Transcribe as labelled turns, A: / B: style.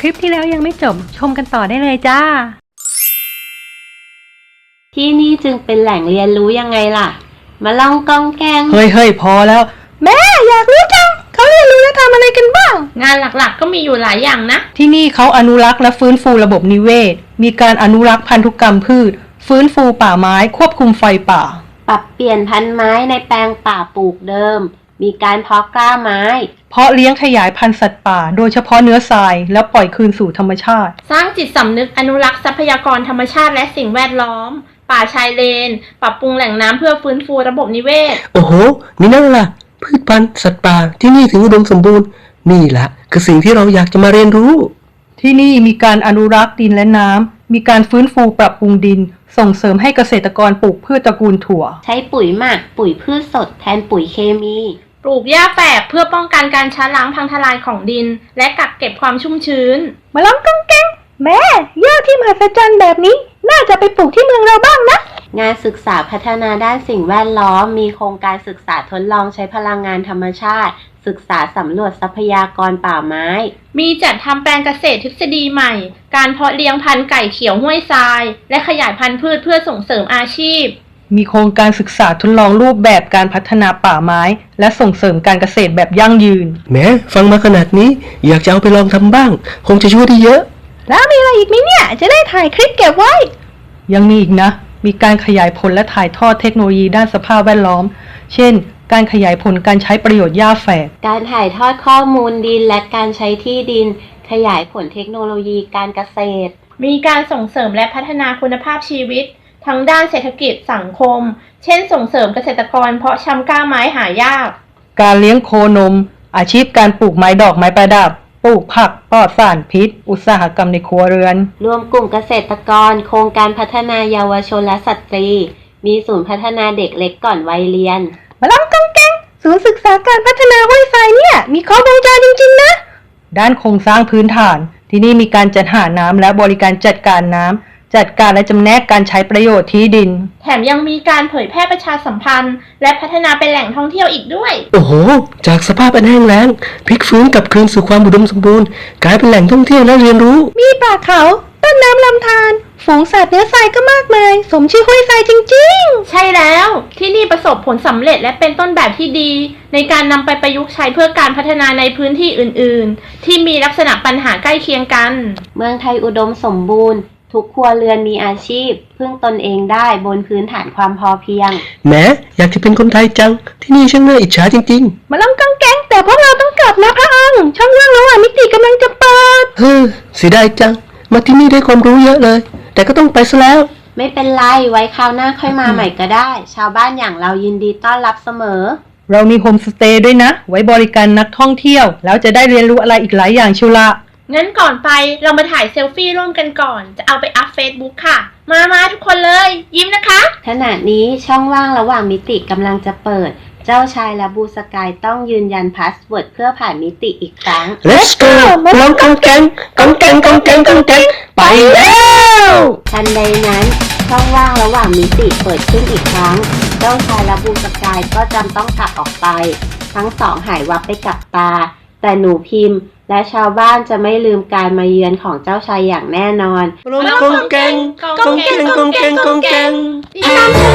A: ลิปที่แล้วยังไม่จบชมกันต่อได้เลยจ้า
B: ที่นี่จึงเป็นแหล่งเรียนรู้ยังไงล่ะมาลองกองแกง
A: เฮ้ยพอแล้วแม่อยากรู้จังเขาเรียนรู้และทำอะไรกันบ้าง
C: งานหลักๆก็มีอยู่หลายอย่างนะ
A: ที่นี่เขาอนุรักษ์และฟื้นฟูระบบนิเวศมีการอนุรักษ์พันธุกรรมพืชฟื้นฟูป่าไม้ควบคุมไฟป่า
B: ปรับเปลี่ยนพันธุ์ไม้ในแปลงป่าปลูกเดิมมีการเพาะกล้าไม้
A: เพาะเลี้ยงขยายพันธุ์สัตว์ป่าโดยเฉพาะเนื้อทรายแล้วปล่อยคืนสู่ธรรมชาติ
C: สร้างจิตสำนึกอนุรักษ์ทรัพยากรธรรมชาติและสิ่งแวดล้อมป่าชายเลนปรับปรุงแหล่งน้ำเพื่อฟื้นฟูระบบนิเวศ
D: โอ้โหนี่นั่นล่ะพืชพันธุ์สัตว์ป่าที่นี่ถึงอุดมสมบูรณ์นี่แหละคือสิ่งที่เราอยากจะมาเรียนรู้
A: ที่นี่มีการอนุรักษ์ดินและน้ำมีการฟื้นฟูปรับปรุงดินส่งเสริมให้เกษตรกรปลูกพืชตระกูลถั่ว
B: ใช้ปุ๋ยหมักปุ๋ยพืชสดแทนปุ๋ยเคมี
C: ปลูกหญ้าแฝกเพื่อป้องกันการช้าล้างพังทลายของดินและกักเก็บความชุ่มชื้น
A: มาลองกังแกงแม่หญ้าที่มหัศจรรย์แบบนี้น่าจะไปปลูกที่เมืองเราบ้างนะ
B: งานศึกษาพัฒนาด้านสิ่งแวดล้อมมีโครงการศึกษาทดลองใช้พลังงานธรรมชาติศึกษาสำรวจทรัพยากรป่าไม้
C: มีจัดทำแปลงเกษตรทฤษฎีใหม่การเพาะเลี้ยงพันธุ์ไก่เขียวห้วยทรายและขยายพันธุ์พืชเพื่อส่งเสริมอาชีพ
A: มีโครงการศึกษาทดลองรูปแบบการพัฒนาป่าไม้และส่งเสริมการเกษตรแบบยั่งยืน
D: แม้ฟังมาขนาดนี้อยากจะเอาไปลองทำบ้างคงจะช่วยได้เยอะ
A: แล้วมีอะไรอีกไหมเนี่ยจะได้ถ่ายคลิปเก็บไว้ยังมีอีกนะมีการขยายผลและถ่ายทอดเทคโนโลยีด้านสภาพแวดล้อมเช่นการขยายผลการใช้ประโยชน์หญ้าแฝก
B: การถ่ายทอดข้อมูลดินและการใช้ที่ดินขยายผลเทคโนโลยีการเกษตร
C: มีการส่งเสริมและพัฒนาคุณภาพชีวิตทั้งด้านเศรษฐกิจสังคมเช่นส่งเสริมเกษตรกรเพาะชำกล้าไม้หายาก
A: การเลี้ยงโคนมอาชีพการปลูกไม้ดอกไม้ประดับปลูกผักปลอดสารพิษอุตสาหกรรมในครัวเรือน
B: รวมกลุ่มเกษตรกรโครงการพัฒนาเยาวชนและสตรีมีศูนย์พัฒนาเด็กเล็กก่อนวัยเรียน
A: มาลองกังแกงศูนย์ศึกษาการพัฒนาห้วยทรายเนี่ยมีครบวงจรจริงๆนะด้านโครงสร้างพื้นฐานที่นี่มีการจัดหาน้ำและบริการจัดการน้ำจัดการและจำแนกการใช้ประโยชน์ที่ดิน
C: แถมยังมีการเผยแพร่ประชาสัมพันธ์และพัฒนาเป็นแหล่งท่องเที่ยวอีกด้วย
D: โอ้โหจากสภาพอันแห้งแล้งพลิกฟื้นกลับคืนสู่ความอุดมสมบูรณ์กลายเป็นแหล่งท่องเที่ยวและเรียนรู้
A: มีป่าเขาต้นน้ำลำธารฝูงสัตว์เนื้อทรายก็มากมายสมชื่อห้วยทรายจริง
C: ๆใช่แล้วที่นี่ประสบผลสำเร็จและเป็นต้นแบบที่ดีในการนำไปประยุกต์ใช้เพื่อการพัฒนาในพื้นที่อื่นๆที่มีลักษณะปัญหาใกล้เคียงกัน
B: เมืองไทยอุดมสมบูรณ์ทุกครัวเรือนมีอาชีพพึ่งตนเองได้บนพื้นฐานความพอเพียง
D: แม้อยากจะเป็นคนไทยจังที่นี่ช่างน่าอิจฉาจริง
A: ๆมาลองกังแกงแต่พวกเราต้องกลับนะพระองค์ช่องว่างระหว่างมิติกำลังจะเปิด
D: เสียดายจังมาที่นี่ได้ความรู้เยอะเลยแต่ก็ต้องไปซะแล้ว
B: ไม่เป็นไรไว้คราวหน้าค่อยมาใหม่ก็ได้ชาวบ้านอย่างเรายินดีต้อนรับเสมอ
A: เรามีโฮมสเตย์ด้วยนะไว้บริการนักท่องเที่ยวแล้วจะได้เรียนรู้อะไรอีกหลายอย่างชิวละ
C: งั้นก่อนไปเรามาถ่ายเซลฟี่ร่วมกันก่อนจะเอาไปอัพเฟซบุ๊กค่ะมาทุกคนเลยยิ้มนะคะ
B: ขณะนี้ช่องว่างระหว่างมิติกำลังจะเปิดเจ้าชายและบูสกายต้องยืนยันพาสเวิร์ดเพื่อผ่านมิติอีกครั้ง
D: Let's go ลองกังแกงไปแล้ว
B: ทันใดนั้นช่องว่างระหว่างมิติเปิดขึ้นอีกครั้งเจ้าชายและบูสกายก็จำต้องกลับออกไปทั้งสองหายวับไปกับตาแต่หนูพิมพ์และชาวบ้านจะไม่ลืมการมาเยือนของเจ้าชายอย่างแน่นอน
D: ลองกังแกง